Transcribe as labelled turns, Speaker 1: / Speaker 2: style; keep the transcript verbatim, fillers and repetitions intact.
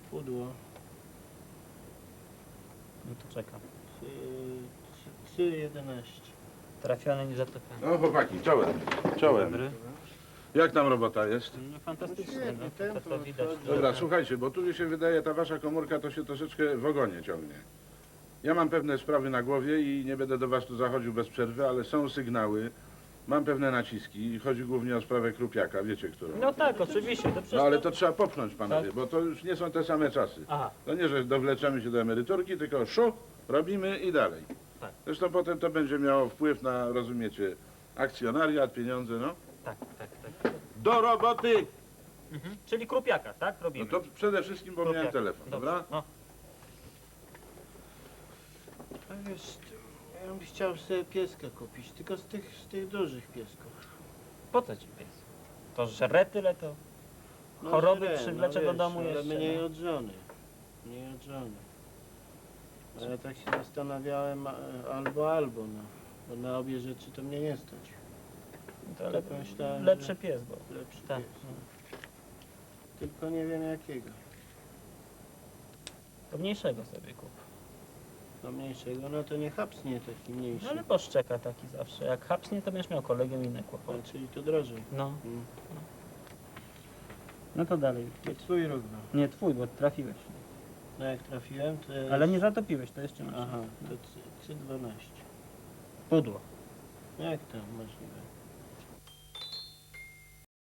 Speaker 1: Pudło.
Speaker 2: No to czekam.
Speaker 1: trzy jedenaście.
Speaker 2: Trafiony, nie zatopiony.
Speaker 3: No chłopaki, czołem, czołem.
Speaker 2: Dobry.
Speaker 3: Jak tam robota jest?
Speaker 2: No fantastycznie,
Speaker 1: Świetnie,
Speaker 2: no, to,
Speaker 1: tempo
Speaker 2: to widać.
Speaker 1: odchodzi.
Speaker 2: że-
Speaker 3: Dobra, słuchajcie, bo tu mi się wydaje, ta wasza komórka to się troszeczkę w ogonie ciągnie. Ja mam pewne sprawy na głowie i nie będę do was tu zachodził bez przerwy, ale są sygnały, mam pewne naciski i chodzi głównie o sprawę Krupiaka, wiecie którą.
Speaker 2: No tak, oczywiście. To przecież
Speaker 3: No ale
Speaker 2: to-
Speaker 3: to trzeba popchnąć, panowie,
Speaker 2: Tak.
Speaker 3: bo to już nie są te same czasy.
Speaker 2: Aha,
Speaker 3: To nie, że dowleczemy się do emeryturki, tylko szu, robimy i dalej.
Speaker 2: Tak.
Speaker 3: Zresztą potem to będzie miało wpływ na, rozumiecie, akcjonariat, pieniądze, no.
Speaker 2: tak, tak, tak.
Speaker 3: Do roboty!
Speaker 2: Mhm. Czyli Krupiaka, tak?
Speaker 3: No
Speaker 2: Robimy.
Speaker 3: to przede wszystkim, bo miałem
Speaker 2: Krupiaka.
Speaker 3: telefon,
Speaker 2: Dobrze.
Speaker 3: dobra?
Speaker 2: No.
Speaker 1: A wiesz, ja bym chciał sobie pieska kupić, tylko z tych, z tych dużych piesków.
Speaker 2: Po co ci pies? To żre tyle to...
Speaker 1: No,
Speaker 2: Choroby
Speaker 1: źle,
Speaker 2: przywlecze do
Speaker 1: wiesz,
Speaker 2: domu
Speaker 1: ale
Speaker 2: jeszcze,
Speaker 1: mniej
Speaker 2: no.
Speaker 1: od żony. Mniej od żony. A ja tak się zastanawiałem, a- albo, albo, no. Bo na obie rzeczy to mnie nie stać.
Speaker 2: To
Speaker 1: Tak
Speaker 2: le...
Speaker 1: myślałem,
Speaker 2: lepszy
Speaker 1: że-
Speaker 2: pies, bo...
Speaker 1: Lepszy
Speaker 2: Tak.
Speaker 1: pies. No. Tylko nie wiem jakiego.
Speaker 2: To mniejszego sobie kup.
Speaker 1: No mniejszego, no to nie hapsnie taki mniejszy.
Speaker 2: No ale poszczeka taki zawsze. Jak hapsnie, to będziesz miał kolegę inne
Speaker 1: A,
Speaker 2: kłopoty.
Speaker 1: czyli to drożej.
Speaker 2: No.
Speaker 1: Mm.
Speaker 2: No to dalej.
Speaker 1: To twój róg był.
Speaker 2: Nie twój, bo trafiłeś.
Speaker 1: No jak trafiłem, to jest...
Speaker 2: Ale nie zatopiłeś, to jeszcze masz.
Speaker 1: Aha, to trzy dwanaście.
Speaker 2: Pudło.
Speaker 1: Jak to możliwe?